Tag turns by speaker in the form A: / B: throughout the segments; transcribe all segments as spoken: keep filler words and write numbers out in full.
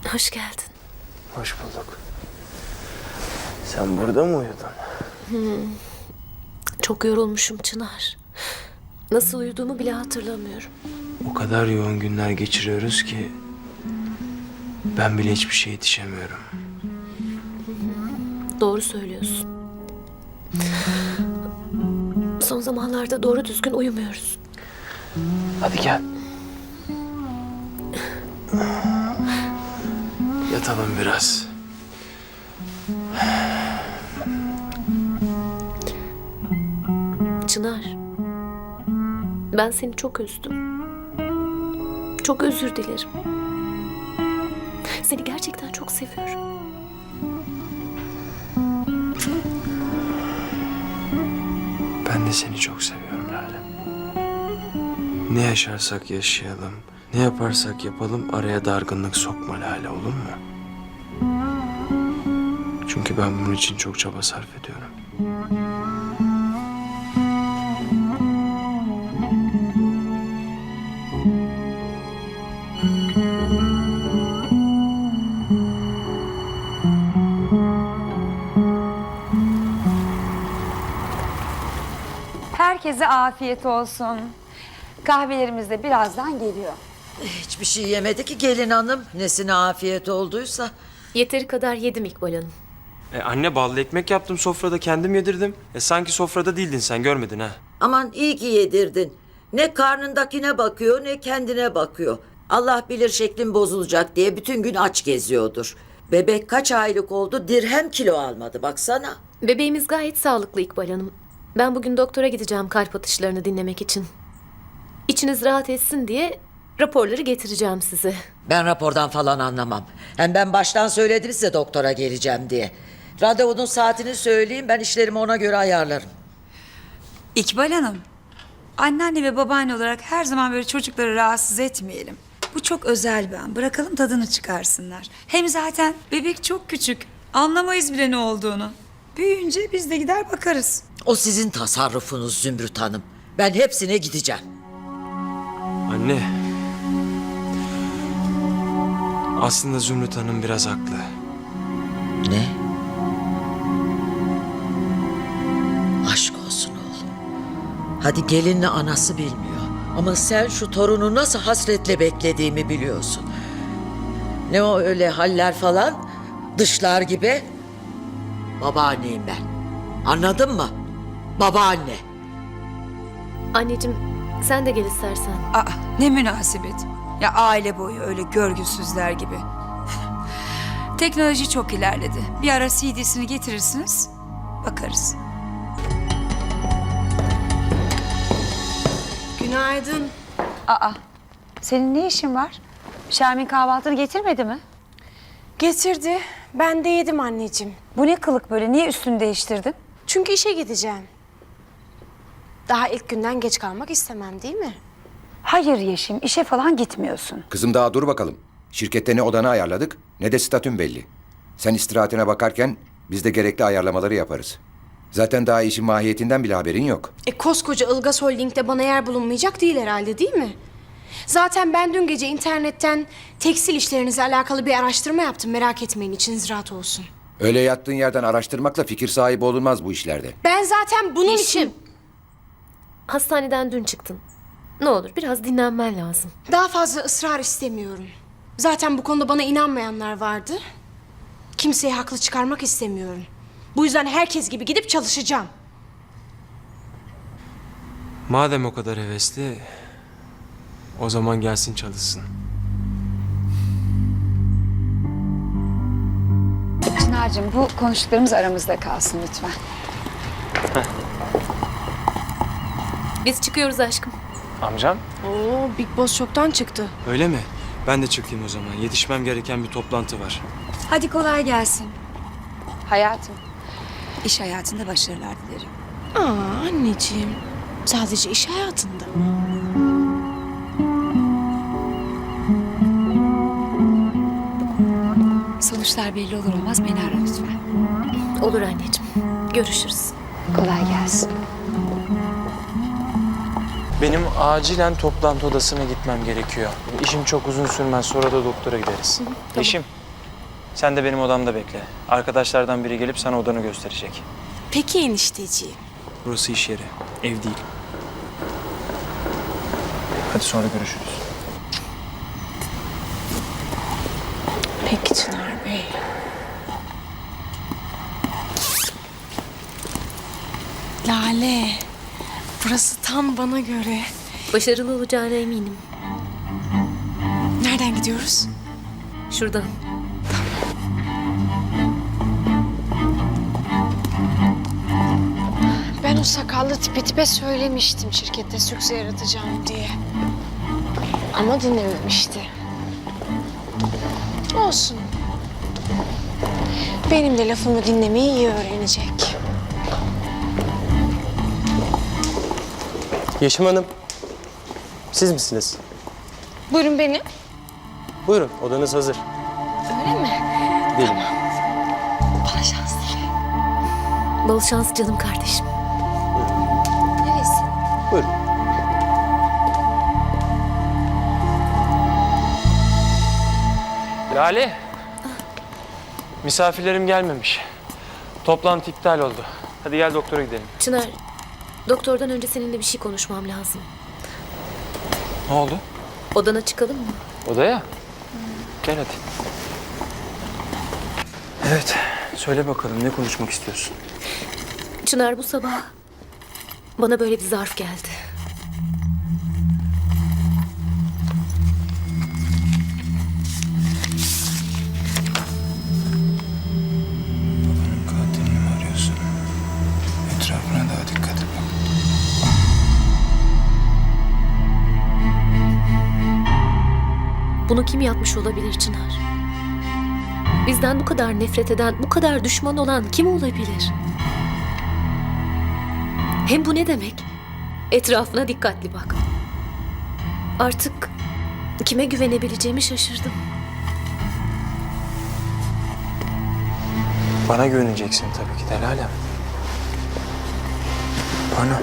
A: Hoş geldin.
B: Hoş bulduk. Sen burada mı uyudun?
A: Hmm. Çok yorulmuşum Çınar. Nasıl uyuduğumu bile hatırlamıyorum.
B: O kadar yoğun günler geçiriyoruz ki ben bile hiçbir şeye yetişemiyorum.
A: Doğru söylüyorsun. Son zamanlarda doğru düzgün uyumuyoruz.
B: Hadi gel. Yatalım biraz.
A: Çınar. Ben seni çok üzdüm. Çok özür dilerim. Seni gerçekten çok seviyorum.
B: Ben de seni çok seviyorum Lale. Ne yaşarsak yaşayalım, ne yaparsak yapalım araya dargınlık sokma Lale, olur mu? Çünkü ben bunun için çok çaba sarf ediyorum.
C: Herkese afiyet olsun. Kahvelerimiz de birazdan geliyor.
D: Hiçbir şey yemedi ki gelin hanım. Nesine afiyet olduysa.
A: Yeteri kadar yedim İkbal Hanım.
B: E anne, ballı ekmek yaptım sofrada, kendim yedirdim. E sanki sofrada değildin, sen görmedin ha.
D: Aman iyi ki yedirdin. Ne karnındakine bakıyor ne kendine bakıyor. Allah bilir şeklin bozulacak diye bütün gün aç geziyordur. Bebek kaç aylık oldu, dirhem kilo almadı baksana.
A: Bebeğimiz gayet sağlıklı İkbal Hanım. Ben bugün doktora gideceğim kalp atışlarını dinlemek için. İçiniz rahat etsin diye raporları getireceğim size.
D: Ben rapordan falan anlamam. Hem ben baştan söyledim size doktora geleceğim diye. Randevunun saatini söyleyeyim, ben işlerimi ona göre ayarlarım.
C: İkbal Hanım, anneanne ve babaanne olarak her zaman böyle çocukları rahatsız etmeyelim. Bu çok özel bir an. Bırakalım tadını çıkarsınlar. Hem zaten bebek çok küçük. Anlamayız bile ne olduğunu. Büyüyünce biz de gider bakarız.
D: O sizin tasarrufunuz Zümrüt Hanım. Ben hepsine gideceğim.
B: Anne. Aslında Zümrüt Hanım biraz haklı.
D: Ne? Aşk olsun oğlum. Hadi gelinle anası bilmiyor. Ama sen şu torunu nasıl hasretle beklediğimi biliyorsun. Ne o öyle haller falan? Dışlar gibi. Babaanneyim ben. Anladın mı? Babaanne.
A: Anneciğim sen de gel istersen.
C: Aa, ne münasebet. Ya aile boyu öyle görgüsüzler gibi. Teknoloji çok ilerledi. Bir ara C D'sini getirirsiniz, bakarız.
E: Günaydın.
C: Aa, senin ne işin var? Şermin kahvaltını getirmedi mi?
E: Getirdi. Ben de yedim anneciğim.
C: Bu ne kılık böyle? Niye üstünü değiştirdin?
E: Çünkü işe gideceğim. Daha ilk günden geç kalmak istemem değil mi?
C: Hayır Yeşim, işe falan gitmiyorsun.
F: Kızım daha dur bakalım. Şirkette ne odanı ayarladık ne de statün belli. Sen istirahatine bakarken biz de gerekli ayarlamaları yaparız. Zaten daha işin mahiyetinden bile haberin yok.
E: E koskoca Ilgaz Holding'de bana yer bulunmayacak değil herhalde değil mi? Zaten ben dün gece internetten tekstil işlerinizle alakalı bir araştırma yaptım. Merak etmeyin, içiniz rahat olsun.
F: Öyle yattığın yerden araştırmakla fikir sahibi olunmaz bu işlerde.
E: Ben zaten bunun
A: Yeşim.
E: için...
A: Hastaneden dün çıktın. Ne olur biraz dinlenmen lazım.
E: Daha fazla ısrar istemiyorum. Zaten bu konuda bana inanmayanlar vardı. Kimseyi haklı çıkarmak istemiyorum. Bu yüzden herkes gibi gidip çalışacağım.
B: Madem o kadar hevesli, o zaman gelsin çalışsın.
C: Çınar'cığım bu konuştuklarımız aramızda kalsın lütfen.
A: Biz çıkıyoruz aşkım.
B: Amcam?
E: Oo, Big Boss çoktan çıktı.
B: Öyle mi? Ben de çıkayım o zaman. Yetişmem gereken bir toplantı var.
C: Hadi kolay gelsin. Hayatım, iş hayatında başarılar dilerim.
E: Aa anneciğim, sadece iş hayatında.
C: Sonuçlar belli olur olmaz beni ara lütfen.
A: Olur anneciğim. Görüşürüz.
C: Kolay gelsin.
B: Benim acilen toplantı odasına gitmem gerekiyor. İşim çok uzun sürmez. Sonra da doktora gideriz. Yeşim, Sen de benim odamda bekle. Arkadaşlardan biri gelip sana odanı gösterecek.
E: Peki enişteciğim.
B: Burası iş yeri, ev değil. Hadi sonra görüşürüz.
E: Peki Çınar Bey. Lale, burası tam bana göre.
A: Başarılı olacağına eminim.
E: Nereden gidiyoruz?
A: Şuradan.
E: Ben o sakallı tipe tipe söylemiştim şirkette sükse yaratacağım diye. Ama dinlememişti. Olsun. Benim de lafımı dinlemeyi iyi öğrenecek.
G: Yeşim Hanım, siz misiniz?
E: Buyurun benim.
G: Buyurun, odanız hazır.
E: Öyle mi?
G: Gidelim.
E: Bana şans dile.
A: Bol şans canım kardeşim.
E: Neresi?
G: Buyurun.
B: Lale. Misafirlerim gelmemiş. Toplantı iptal oldu. Hadi gel doktora gidelim.
A: Çınar, doktordan önce seninle bir şey konuşmam lazım.
B: Ne oldu?
A: Odana çıkalım mı?
B: Odaya. Gel hadi. Evet. Söyle bakalım ne konuşmak istiyorsun?
A: Çınar bu sabah bana böyle bir zarf geldi.
B: Babanın katilini mi arıyorsun? Etrafına daha dikkat et bak.
A: Bunu kim yapmış olabilir Çınar? Bizden bu kadar nefret eden, bu kadar düşman olan kim olabilir? Hem bu ne demek? Etrafına dikkatli bak. Artık kime güvenebileceğimi şaşırdım.
B: Bana güveneceksin tabii ki de Lale. Bana.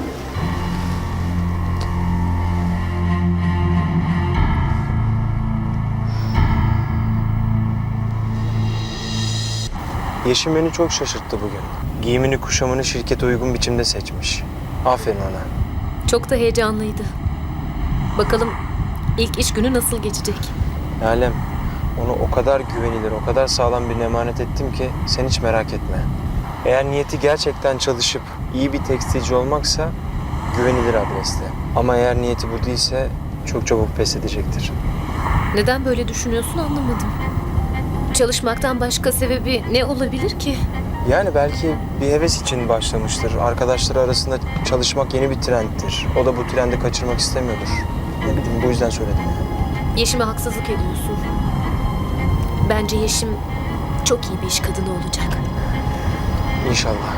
G: Yeşim beni çok şaşırttı bugün. Giyimini kuşamını şirkete uygun biçimde seçmiş. Aferin ona.
A: Çok da heyecanlıydı. Bakalım ilk iş günü nasıl geçecek?
G: Lalem, onu o kadar güvenilir, o kadar sağlam bir emanet ettim ki sen hiç merak etme. Eğer niyeti gerçekten çalışıp iyi bir tekstilci olmaksa güvenilir adreste. Ama eğer niyeti bu değilse çok çabuk pes edecektir.
A: Neden böyle düşünüyorsun anlamadım. Çalışmaktan başka sebebi ne olabilir ki?
G: Yani belki bir heves için başlamıştır. Arkadaşları arasında çalışmak yeni bir trendtir. O da bu trendi kaçırmak istemiyordur. Ne bileyim bu yüzden söyledim yani.
A: Yeşim'e haksızlık ediyorsun. Bence Yeşim çok iyi bir iş kadını olacak.
G: İnşallah.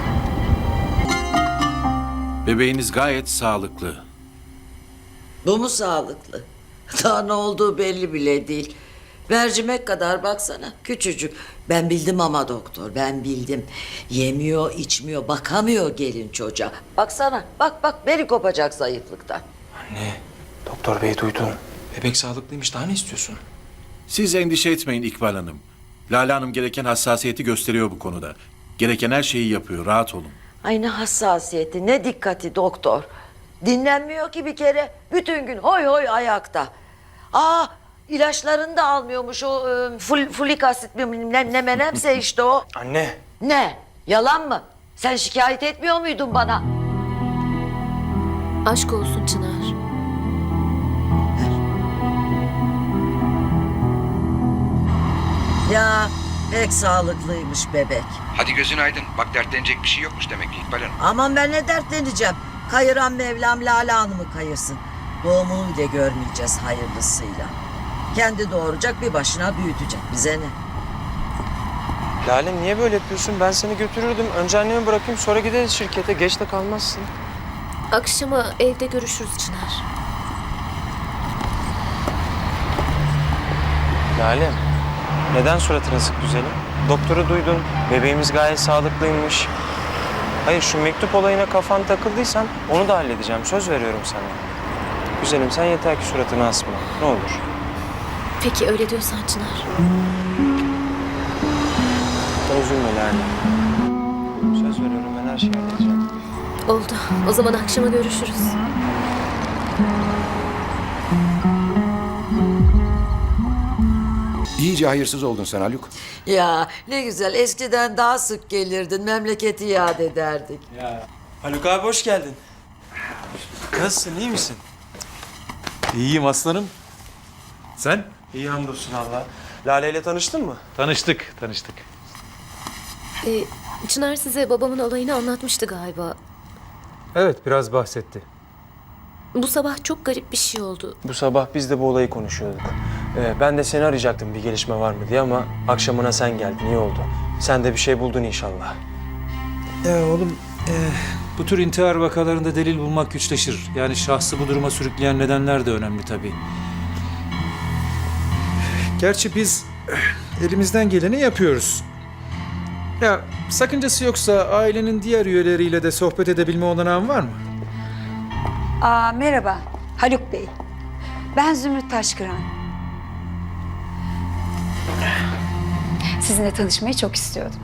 H: Bebeğiniz gayet sağlıklı.
D: Bu mu sağlıklı? Daha ne olduğu belli bile değil. Mercimek kadar baksana, küçücük. Ben bildim ama doktor, ben bildim. Yemiyor, içmiyor, bakamıyor gelin çocuğa. Baksana, bak bak beli kopacak zayıflıktan.
B: Anne, doktor bey duydum. Bebek sağlıklıymış. Daha ne istiyorsun?
H: Siz endişe etmeyin İkbal Hanım. Lale Hanım gereken hassasiyeti gösteriyor bu konuda. Gereken her şeyi yapıyor, rahat olun.
D: Ay ne hassasiyeti, ne dikkati doktor. Dinlenmiyor ki bir kere. Bütün gün hoy hoy ayakta. Aa, ilaçlarını da almıyormuş o e, ful, fulik asit mi ne, ne menemse işte o.
G: Anne.
D: Ne? Yalan mı? Sen şikayet etmiyor muydun bana?
A: Aşk olsun Çınar.
D: Ya pek sağlıklıymış bebek.
F: Hadi gözün aydın. Bak dertlenecek bir şey yokmuş demek ki İkbal Hanım.
D: Aman ben ne dertleneceğim. Kayıran Mevlam Lale Hanım'ı kayırsın. Doğumunu bile görmeyeceğiz hayırlısıyla. Kendi doğuracak, bir başına büyütecek. Bize ne?
G: Lale niye böyle yapıyorsun? Ben seni götürürdüm. Önce annemi bırakayım sonra gideriz şirkete. Geç de kalmazsın.
A: Akşama evde görüşürüz Çınar.
G: Lale, neden suratın asık güzelim? Doktoru duydun. Bebeğimiz gayet sağlıklıymış. Hayır şu mektup olayına kafan takıldıysan onu da halledeceğim. Söz veriyorum sana. Güzelim sen yeter ki suratını asma. Ne olur.
A: Peki öyle diyorsan Çınar.
G: üzülme Lale. Söz veriyorum ben her şeyi halledeceğim.
A: Oldu. O zaman akşama görüşürüz.
F: İyice hayırsız oldun sen Haluk.
D: Ya ne güzel, eskiden daha sık gelirdin, memleketi yad ederdik.
G: Ya Haluk abi hoş geldin. Nasılsın, iyi misin?
I: İyiyim aslanım. Sen?
G: İyi hamdolsun Allah. Lale ile tanıştın mı?
I: Tanıştık, tanıştık.
A: Ee, Çınar size babamın olayını anlatmıştı galiba.
J: Evet, biraz bahsetti.
A: Bu sabah çok garip bir şey oldu.
G: Bu sabah biz de bu olayı konuşuyorduk. Ee, ben de seni arayacaktım bir gelişme var mı diye ama akşamına sen geldin, iyi oldu. Sen de bir şey buldun inşallah.
J: Ya oğlum, e, bu tür intihar vakalarında delil bulmak güçleşir. Yani şahsı bu duruma sürükleyen nedenler de önemli tabii. Gerçi biz eh, elimizden geleni yapıyoruz. Ya sakıncası yoksa ailenin diğer üyeleriyle de sohbet edebilme olanağın var mı?
C: Aa, merhaba Haluk Bey. Ben Zümrüt Taşkıran. Sizinle tanışmayı çok istiyordum.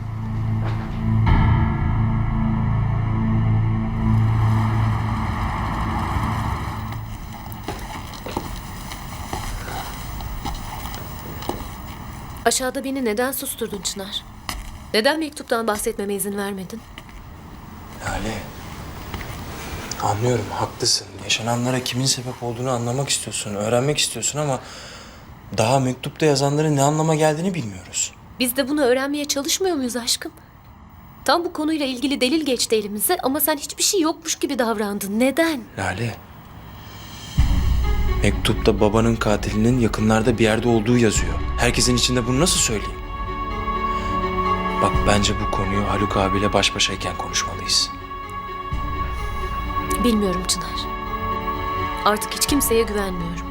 A: Aşağıda beni neden susturdun Çınar? Neden mektuptan bahsetmeme izin vermedin?
G: Lale, anlıyorum, haklısın. Yaşananlara kimin sebep olduğunu anlamak istiyorsun, öğrenmek istiyorsun ama daha mektupta yazanların ne anlama geldiğini bilmiyoruz.
A: Biz de bunu öğrenmeye çalışmıyor muyuz aşkım? Tam bu konuyla ilgili delil geçti elimize ama sen hiçbir şey yokmuş gibi davrandın. Neden?
G: Lale, mektupta babanın katilinin yakınlarda bir yerde olduğu yazıyor. Herkesin içinde bunu nasıl söyleyeyim? Bak bence bu konuyu Haluk abiyle baş başayken konuşmalıyız.
A: Bilmiyorum Çınar. Artık hiç kimseye güvenmiyorum.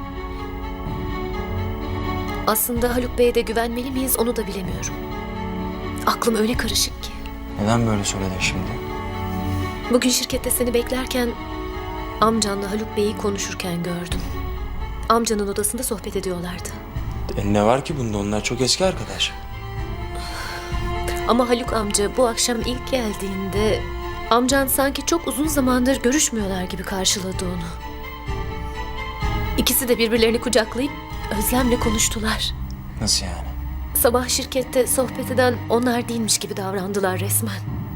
A: Aslında Haluk Bey'e de güvenmeli miyiz onu da bilemiyorum. Aklım öyle karışık ki.
G: Neden böyle söyledin şimdi?
A: Bugün şirkette seni beklerken amcanla Haluk Bey'i konuşurken gördüm. Amcanın odasında sohbet ediyorlardı.
G: E, ne var ki bunda? Onlar çok eski arkadaş.
A: Ama Haluk amca bu akşam ilk geldiğinde amcan sanki çok uzun zamandır görüşmüyorlar gibi karşıladı onu. İkisi de birbirlerini kucaklayıp özlemle konuştular.
G: Nasıl yani?
A: Sabah şirkette sohbet eden onlar değilmiş gibi davrandılar resmen.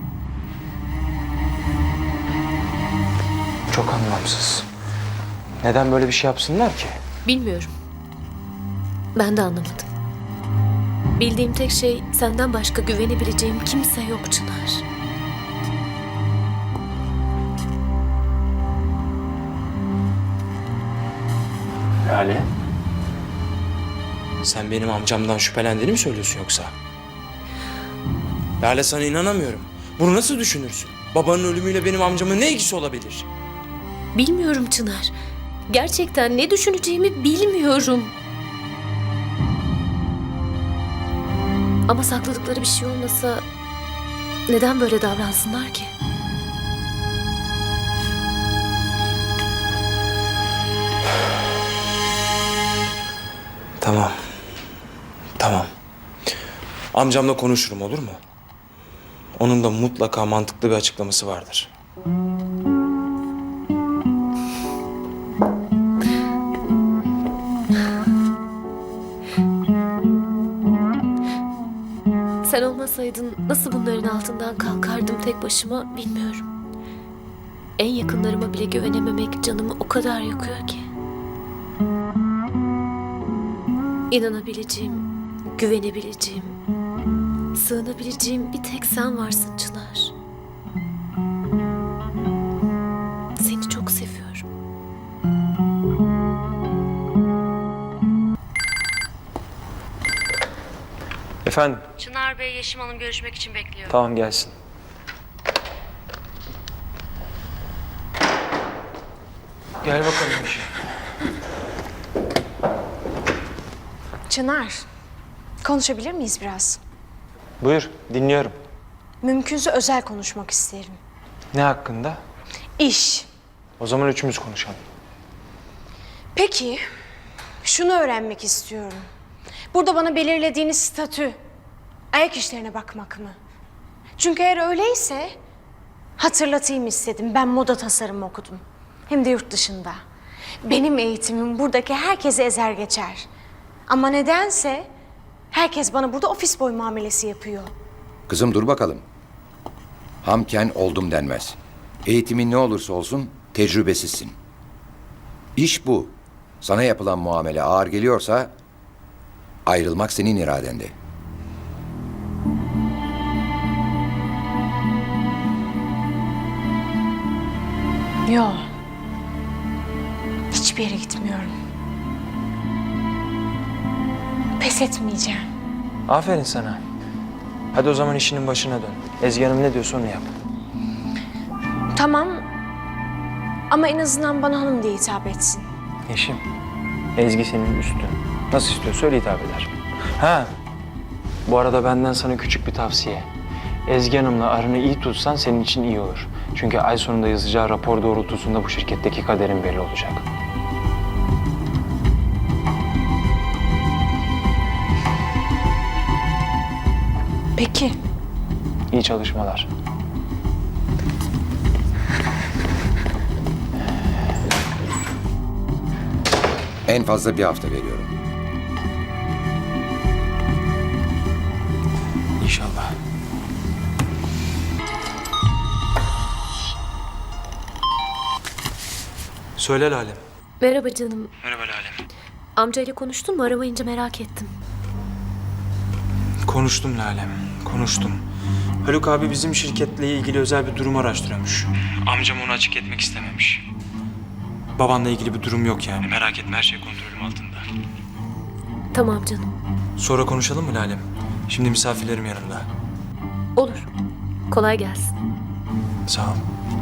G: Çok anlamsız. Neden böyle bir şey yapsınlar ki?
A: Bilmiyorum. Ben de anlamadım. Bildiğim tek şey senden başka güvenebileceğim kimse yok Çınar.
G: Lale. Sen benim amcamdan şüphelendiğini mi söylüyorsun yoksa? Lale sana inanamıyorum. Bunu nasıl düşünürsün? Babanın ölümüyle benim amcamın ne ilgisi olabilir?
A: Bilmiyorum Çınar. Gerçekten ne düşüneceğimi bilmiyorum. Ama sakladıkları bir şey olmasa neden böyle davransınlar ki?
G: Tamam. Tamam. Amcamla konuşurum, olur mu? Onun da mutlaka mantıklı bir açıklaması vardır.
A: Sen olmasaydın nasıl bunların altından kalkardım tek başıma bilmiyorum. En yakınlarıma bile güvenememek canımı o kadar yakıyor ki. İnanabileceğim, güvenebileceğim, sığınabileceğim bir tek sen varsın Çınar. Seni çok seviyorum.
G: Efendim?
K: Çınar Bey Yeşim Hanım görüşmek için bekliyor.
G: Tamam, gelsin. Gel bakalım bir şey.
E: Çınar, konuşabilir miyiz biraz?
G: Buyur, dinliyorum.
E: Mümkünse özel konuşmak isterim.
G: Ne hakkında?
E: İş.
G: O zaman üçümüz konuşalım.
E: Peki, şunu öğrenmek istiyorum. Burada bana belirlediğiniz statü Ayak işlerine bakmak mı? Çünkü eğer öyleyse hatırlatayım istedim. Ben moda tasarımı okudum. Hem de yurt dışında. Benim eğitimim buradaki herkese ezer geçer. Ama nedense herkes bana burada ofis boy muamelesi yapıyor.
F: Kızım dur bakalım. Hamken oldum denmez. Eğitimin ne olursa olsun tecrübesizsin. İş bu. Sana yapılan muamele ağır geliyorsa ayrılmak senin iradende.
E: Yok. Hiçbir yere gitmiyorum. Pes etmeyeceğim.
G: Aferin sana. Hadi o zaman işinin başına dön. Ezgi Hanım ne diyorsa onu yap.
E: Tamam. Ama en azından bana hanım diye hitap etsin.
G: Yeşim, Ezgi senin üstün. Nasıl istiyorsa öyle hitap eder. Ha, bu arada benden sana küçük bir tavsiye. Ezgi Hanım'la aranı iyi tutsan senin için iyi olur. Çünkü ay sonunda yazacağı rapor doğrultusunda bu şirketteki kaderin belli olacak.
E: Peki.
G: İyi çalışmalar.
F: En fazla bir hafta veriyorum.
B: İnşallah. Söyle Lale.
A: Merhaba canım.
B: Merhaba Lale.
A: Amcayla konuştun mu? Aramayınca merak ettim.
B: Konuştum Lale, konuştum. Haluk abi bizim şirketle ilgili özel bir durum araştırıyormuş. Amcam onu açık etmek istememiş. Babanla ilgili bir durum yok yani. Merak etme, her şey kontrolüm altında.
A: Tamam canım.
B: Sonra konuşalım mı Lale? Şimdi misafirlerim yanımda.
A: Olur. Kolay gelsin.
B: Sağ ol.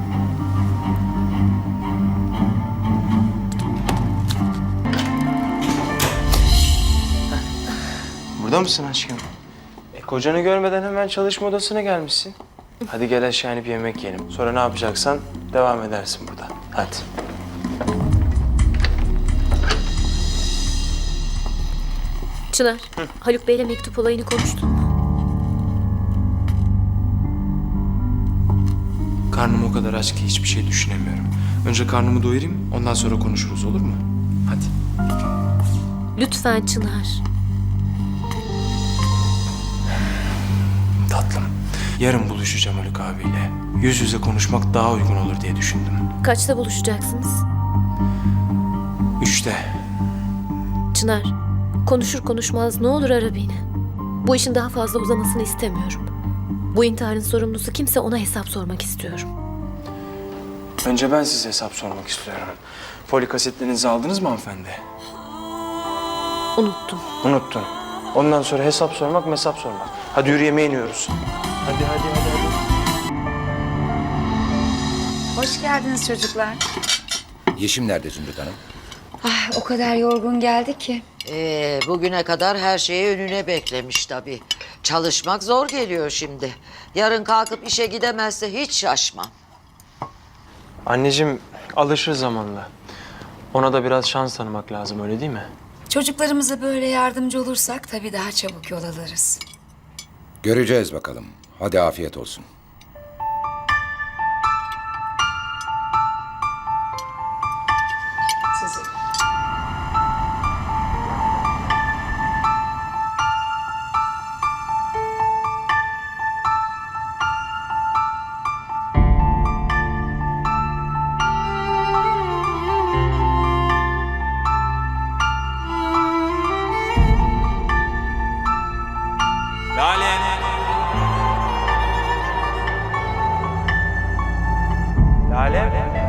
G: Burada mısın aşkım? E, kocanı görmeden hemen çalışma odasına gelmişsin. Hadi gel aşağı inip yemek yiyelim. Sonra ne yapacaksan devam edersin burada. Hadi.
A: Çınar, Haluk Bey'le mektup olayını konuştun mu?
B: Karnım o kadar aç ki hiçbir şey düşünemiyorum. Önce karnımı doyurayım, ondan sonra konuşuruz, olur mu? Hadi.
A: Lütfen Çınar.
B: Tatlım, yarın buluşacağım Haluk abiyle. Yüz yüze konuşmak daha uygun olur diye düşündüm.
A: Kaçta buluşacaksınız?
B: Üçte.
A: Çınar, konuşur konuşmaz ne olur ara beni. Bu işin daha fazla uzamasını istemiyorum. Bu intiharın sorumlusu kimse, ona hesap sormak istiyorum.
G: Önce ben size hesap sormak istiyorum. Folik asitlerinizi aldınız mı hanımefendi?
A: Unuttum.
G: Unuttun. Ondan sonra hesap sormak, mesap sormak. Hadi yürü, yemeğe iniyoruz. Hadi hadi hadi hadi.
C: Hoş geldiniz çocuklar.
F: Yeşim nerede Zümrüt Hanım?
C: Ah, o kadar yorgun geldi ki.
D: Ee, bugüne kadar her şeyi önüne beklemiş tabii. Çalışmak zor geliyor şimdi. Yarın kalkıp işe gidemezse hiç şaşmam.
G: Anneciğim alışır zamanla. Ona da biraz şans tanımak lazım, öyle değil mi?
C: Çocuklarımıza böyle yardımcı olursak tabii daha çabuk yol alırız.
F: Göreceğiz bakalım. Hadi afiyet olsun.
C: Sizi.
B: Lale!
G: Lale.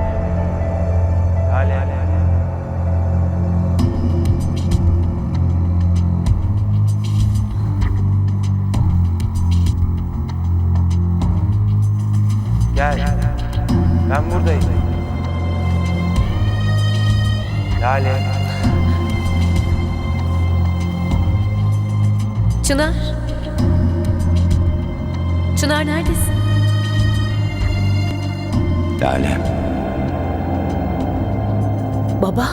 G: Lale. Gel. Ben buradayım. Lale.
A: Çınar. Çınar neredesin?
B: Lale.
A: Baba.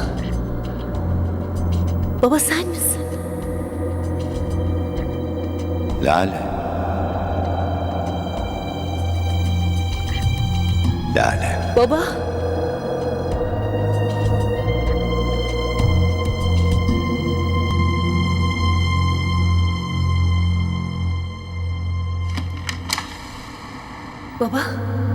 A: Baba sen misin?
B: Lale.
G: Lale.
A: Baba. Baba.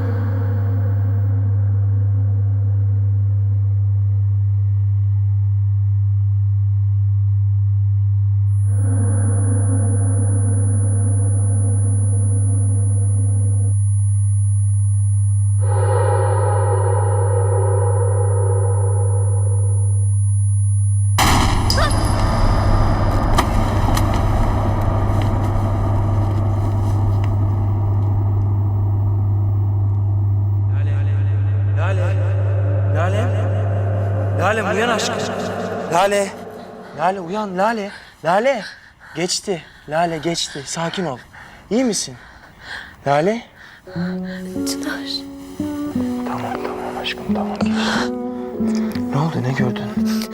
G: Lale. Lale. Lale uyan aşkım. Lale. Lale uyan Lale. Lale. Geçti. Lale geçti. Sakin ol. İyi misin? Lale.
A: Çınar.
G: Tamam tamam aşkım tamam. Ne oldu ne gördün?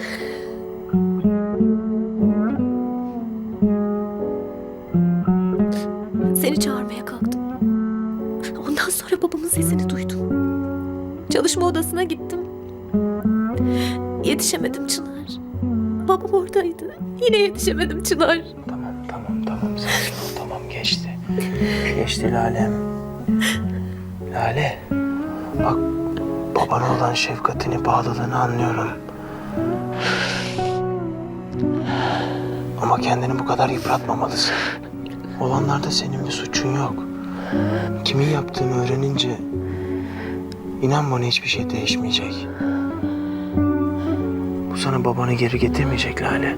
A: Seni çağırmaya kalktım. Ondan sonra babamın sesini duydum. Çalışma odasına gittim. Yetişemedim Çınar. Babam oradaydı. Yine yetişemedim Çınar.
G: Tamam tamam tamam sakin ol tamam geçti. Geçti Lale. Lale. Bak babana olan şefkatini, bağlılığını anlıyorum. Ama kendini bu kadar yıpratmamalısın. Olanlarda senin bir suçun yok. Kimin yaptığını öğrenince inan bana hiçbir şey değişmeyecek. Bu sana babanı geri getirmeyecek Lale.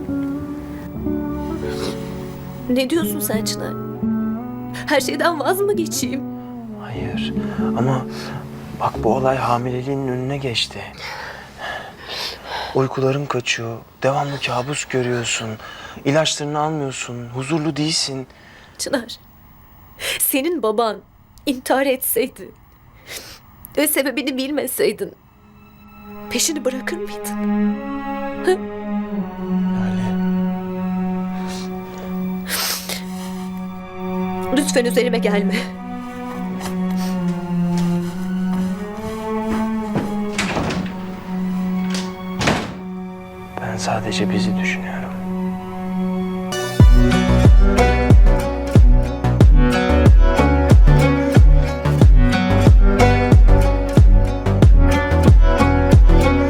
A: Ne diyorsun sen Çınar? Her şeyden vaz mı geçeyim?
G: Hayır ama bak bu olay hamileliğinin önüne geçti. Uykuların kaçıyor, devamlı kabus görüyorsun, ilaçlarını almıyorsun, huzurlu değilsin.
A: Çınar, senin baban intihar etseydi ve sebebini bilmeseydin peşini bırakır mıydın? Hı? Lütfen üzerime gelme.
G: Ben sadece bizi düşünüyorum.